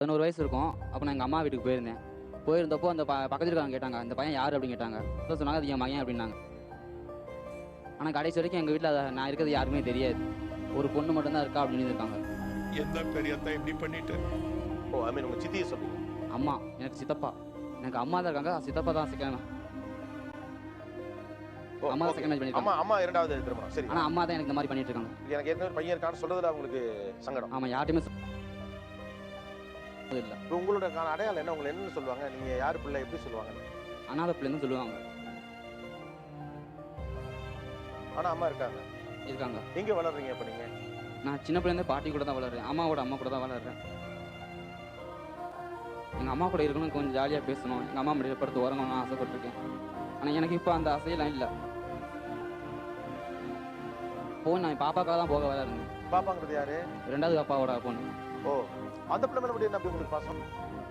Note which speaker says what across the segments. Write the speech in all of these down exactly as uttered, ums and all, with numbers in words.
Speaker 1: பதினோரு வயசு இருக்கும். அப்போ நான் எங்கள் அம்மா வீட்டுக்கு போயிருந்தேன். போயிருந்தப்போ அந்த ப பக்கத்துல இருக்காங்க கேட்டாங்க, இந்த பையன் யார் அப்படின்னு கேட்டாங்க. அப்போ சொன்னாங்க, அது என் மகன் அப்படின்னாங்க. ஆனால் கடைசி வரைக்கும் எங்கள் வீட்டில் நான் இருக்கிறது யாருக்குமே தெரியாது. ஒரு பொண்ணு மட்டும்தான் இருக்கா அப்படின்னு இருக்காங்க.
Speaker 2: என்ன பெரியத்தான் இப்படி பண்ணிட்டு?
Speaker 3: ஓ, ஐ மீன் உங்க சித்தியை சொல்லுங்க.
Speaker 1: அம்மா எனக்கு சித்தப்பா, எனக்கு அம்மா தான் இருக்காங்க, சித்தப்பா தான் செகண்ட். அம்மா தான் செகண்ட் மேரேஜ் பண்ணிருக்காங்க.
Speaker 3: அம்மா அம்மா இரண்டாவது திருமணம். சரி.
Speaker 1: ஆனால் அம்மா தான் எனக்கு இந்த மாதிரி பண்ணிட்டு இருக்காங்க.
Speaker 3: எனக்கு ஏற்கனவே பையன் இருக்கான்னு சொல்றதுல உங்களுக்கு சங்கடம்.
Speaker 1: ஆமாம், யார்ட்டையுமே இல்லை.
Speaker 3: உங்களோட அடையாளம் என்ன? உங்களை என்னன்னு சொல்லுவாங்க? நீங்க யாரு பிள்ளை எப்படி சொல்லுவாங்க?
Speaker 1: அனாதை பிள்ளைன்னு சொல்லுவாங்க.
Speaker 3: ஆனா அம்மா இருக்காங்க.
Speaker 1: இருக்காங்க.
Speaker 3: எங்க வளர்றீங்க இப்ப நீங்க? நான்
Speaker 1: சின்ன பிள்ளைங்க பாட்டி கூட தான் வளர்றேன். அம்மாவோட அம்மா கூட தான் வளர்றேன். எங்கள் அம்மா கூட இருக்கணும், கொஞ்சம் ஜாலியாக பேசணும், எங்கள் அம்மா முடிய படுத்து உறங்கணும்னு ஆசைப்பட்டிருக்கேன். ஆனால் எனக்கு இப்போ அந்த ஆசையெல்லாம் இல்லை. போன் நான் பாப்பாக்காக தான் போக வர இருந்தேன்.
Speaker 3: பாப்பாங்கிறது யாரு?
Speaker 1: ரெண்டாவது அப்பாவோட பொண்ணு.
Speaker 3: ஓ, அந்த பிள்ளை மேல என்ன அப்படி உங்களுக்கு பாசம்?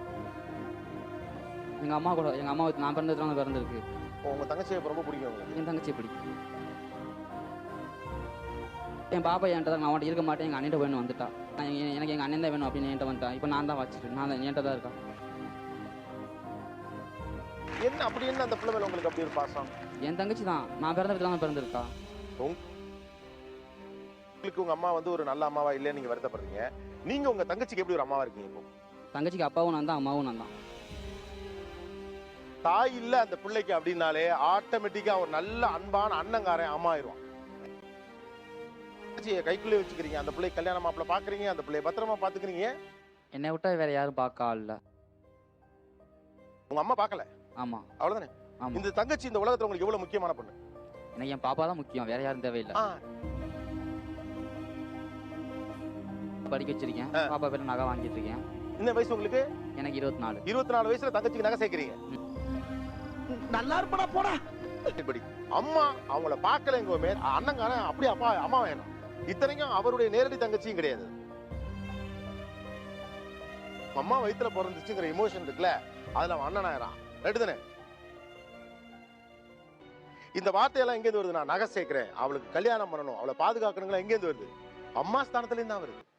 Speaker 1: எங்கள் அம்மா கூட, எங்கள் அம்மா நான் பிறந்ததுனால பிறந்திருக்கு.
Speaker 3: உங்க தங்கச்சியை ரொம்ப பிடிக்கும் உங்களுக்கு?
Speaker 1: என் தங்கச்சியை பிடிக்கும். என் பாப்பா என்கிட்ட தான், நான் அவன்கிட்ட இருக்க மாட்டேன், எங்கள் அண்ணன் வேணும் வந்துட்டா. நான் எனக்கு எங்கள் அண்ணன் தான் வேணும் அப்படின்னு என்கிட்ட வந்துட்டான். இப்போ நான் தான் வச்சுட்டு நான் தான் என்கிட்ட தான் இருக்கா.
Speaker 3: என்ன அப்படி என்ன அந்த பிள்ளை மேல உங்களுக்கு அப்படி ஒரு பாசம்?
Speaker 1: என் தங்கச்சி தான், நான் பிறந்த வீட்டில் தான் பிறந்திருக்கா.
Speaker 3: உங்களுக்கு உங்க அம்மா வந்து ஒரு நல்ல அம்மாவா இல்லைன்னு நீங்க வருத்தப்படுறீங்க. நீங்க உங்க தங்கச்சிக்கு எப்படி ஒரு அம்மாவா இருக்கீங்க? இப்போ
Speaker 1: தங்கச்சிக்கு அப்பாவும் நான் தான், அம்மாவும் நான் தான்.
Speaker 3: தாய் இல்ல அந்த பிள்ளைக்கு அப்படின்னாலே ஆட்டோமேட்டிக்கா ஒரு நல்ல அன்பான அண்ணங்காரன் அம்மா ஆயிடுவான். கைக்குள்ளே வச்சுக்கிறீங்க, அந்த பிள்ளை கல்யாண மாப்பிள்ள பாக்குறீங்க, அந்த பிள்ளைய பத்திரமா பாத்துக்கிறீங்க.
Speaker 1: என்னை விட்டா வேற யாரும் பார்க்க இல்ல.
Speaker 3: உங்க அம்மா பார்க்கல?
Speaker 1: ஆமா.
Speaker 3: அவ்வளவுதானே?
Speaker 1: ஆமா.
Speaker 3: இந்த தங்கச்சி இந்த உலகத்துல உங்களுக்கு எவ்வளவு முக்கியமான பொண்ணு?
Speaker 1: எனக்கு என் பாப்பா தான் முக்கியம், வேற யாரும் தேவையில்லை. படிக்க வச்சிருக்கேன், பாப்பா பேர்ல நகை வாங்கிட்டு இருக்கேன்.
Speaker 3: இந்த வயசு உங்களுக்கு?
Speaker 1: எனக்கு இருபத்தி நாலு.
Speaker 3: இருபத்தி நாலு வயசுல தங்கச்சிக்கு நகை சேர்க்கிறீங்க. நல்லா இருப்படா போடா. இப்படி அம்மா அவங்கள பார்க்கலங்கோமே அண்ணங்காரன் அப்படியே அப்பா அம்மா வேணும். இத்தனைக்கும் அவருடைய நேரடி தங்கச்சியும் கிடையாது. அம்மா வயித்துல பிறந்துச்சுங்கிற எமோஷன் இருக்குல்ல, அதுல அவன் அண்ணன் ஆயிரான். ரைட்டு தானே? இந்த வார்த்தையெல்லாம் எங்கேருந்து வருது? நான் நகை சேர்க்கிறேன், அவளுக்கு கல்யாணம் பண்ணணும், அவளை பாதுகாக்கணுங்களா, எங்கேருந்து வருது? அம்மா ஸ்தானத்துல இருந்து தான் வருது.